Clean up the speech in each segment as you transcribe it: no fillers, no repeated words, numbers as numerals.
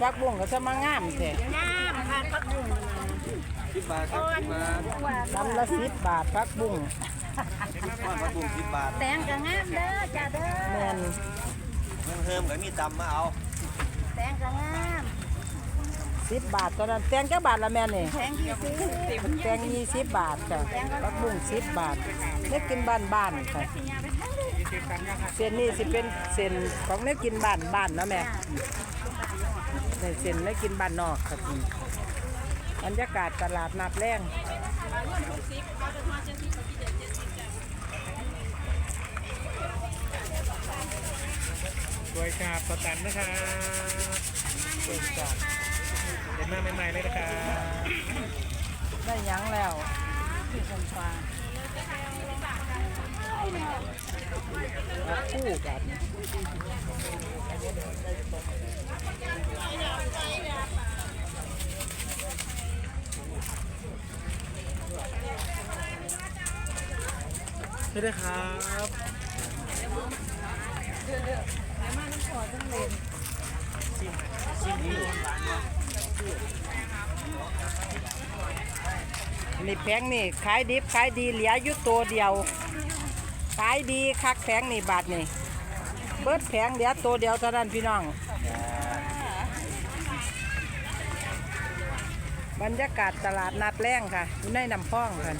พักบุ้งก็จะมางามแท้งามค่ะพักบุ้ง 10 บาทครับ10 บาทลำละ10 บาทพักบุ้งผักบุ้ง10 บาทแตงก็งามเด้อจ้าเด้อแม่นเพิ่มก็มีตำมาเอาแตงก็งาม 10 บาทตอนนั้นแตงจักบาทละแม่นี่แตงที่ซื้อแตง20 บาทจ้ะพักบุ้ง10 บาทเนื้อกินบ้านๆค่ะเส้นนี้สิเป็นเส้นของเนื้อกินบ้านๆเนาะแม่ในเส้นเนื้อกินบ้านนอกครับบรรยากาศตลาดนัดแรงกล้วยฉาบสตันนะครับกล้วยฉาบเด็ดมากใหม่ๆเลยนะครับได้หยังแล้วคู่กันไม่ได้ครับนี่แพงนี่ขายดิบขายดีเหลืออยู่ตัวเดียวขายดีคักแพงนี่บาทนี่เบิดแพงเหลือตัวเดียวเท่านั้นพี่น้องบรรยากาศตลาดนัดแรงค่ะอยู่ในน้ำพองค่ะ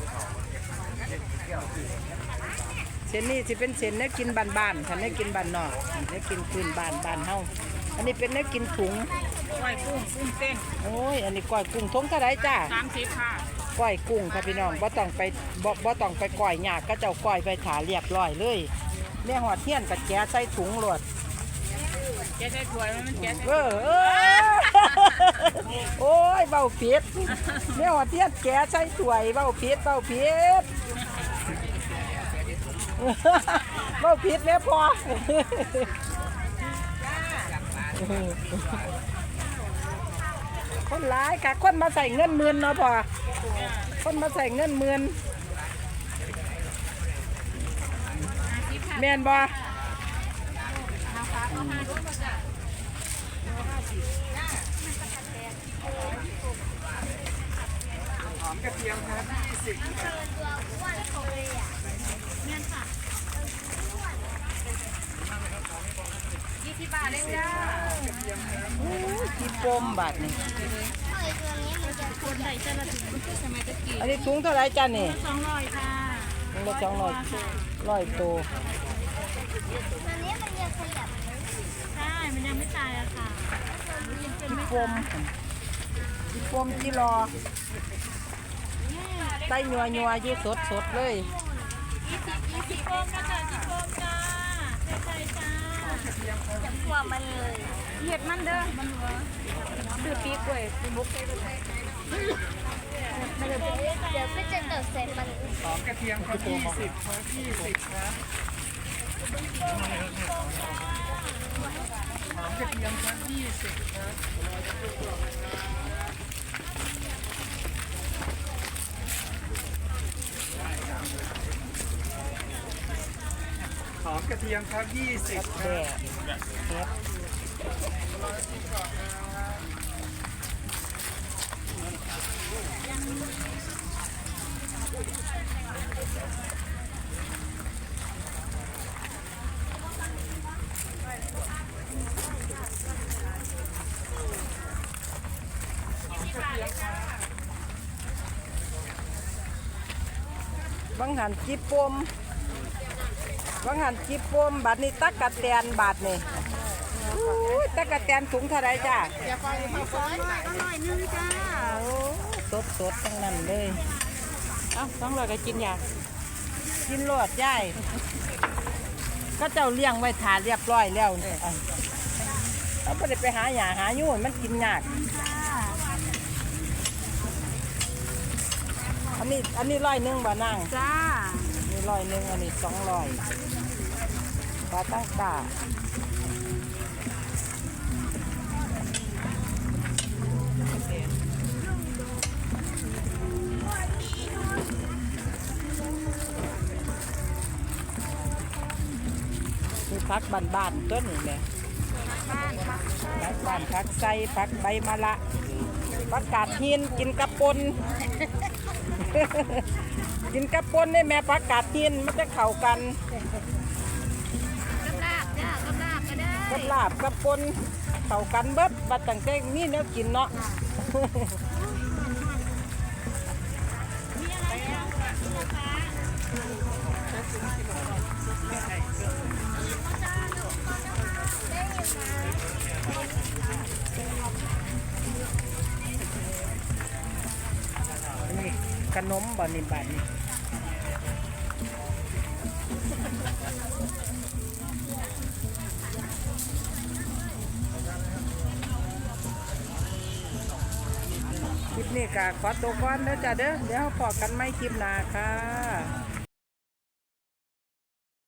เส้นนี้สิเป็นเส้นเนื้อกินบ้านๆค่ะเนื้อกินบ้านนอกเนื้อกินพื้นบ้านเฮาอันนี้เป็นเนื้อกินถุงก้อยกุ้งเต้นโอ้ยอันนี้ก้อยกุ้งทงเท่าไรจ้า 30ค่ะก้อยกุ้งค่ะพี่น้องบ่ต้องไปก้อยยากก็เจ้าก้อยไปถาเรียบร้อยเลยแม่หอดเทียนกับแกะใส่ถุงโหลดแกได้ถ้วยมันแกโอ้ยเบาผิดแม่หอดเทียนแกะใส่ถ้วยเบาผิดเบาผิดแม่พอคนร้ายค่ะคนมาใส่เงินหมื่นเนาะพอคนมาใส่เงินหมื่นแม่นบ่หอมกระเทียมครับ 20 บาทเลยจ้าที่ปมบาทนี่คนใส่เจลาตินสมัยตะกี้อันนี้ถุงเท่าไรจ้านี่ 200ค่ะถุงละ100ตัวใช่มันยังไม่ตายอะค่ะยังเป็นไม่ที่ปมที่รอไส้ยัวยี่สดเลย 20โฟมนะจ๊ะ20โฟมจ้าใส่จ้าจับหัวมันเลยเห็ดมันเด้อมันหัวซื้อปีกล้วยบุกใส่ไปเดี๋ยวก็จะเติมเสร็จมันหอมกระเทียมครับ20ครับ20ครับหอมกระเทียมครับ20ครับหอมกระเทียมครับ20คแดรับดเฮ็ดบางหันจีปมบัดนี้ตักกะแตนบาทนี่ตักกะแตนถุงเท่าไรจ้าอย่าปล่อยให้ซ้อนอร่อยนึงจ้าสดทั้งนั้นเลยเอ้า200ก็กินอยากกินโลดย่ายก็เจ้าเลี้ยงไว้ถาเรียบร้อยแล้วเนี่ยเราไม่ได้ไปหาหยาหายุ่นมันกินยากอันนี้100บ่นั่งจ้านี่100อันนี้200ปลาตั้งตามีพักบ้านๆต้นนี่แหละผักบ้านผักไส้ผักใบมะละผักกาดหินกินกระปน กินกระปนนี่แม่ผักกาดหินมันจะเข้ากันกับลาบจ้ากับลาบก็ได้กับลาบกับปนเข้ากันเบิดบัดตั้งแต่มีแนวกินเนาะมีอะไรบ้างคะคุณลูกค้านี่ขนมบ่นี่บัดนี้คลิปนี้ก็ขอตัวก่อนเด้อจ้ะเด้อเดี๋ยวพอกันไม่คลิปหน้าค่ะ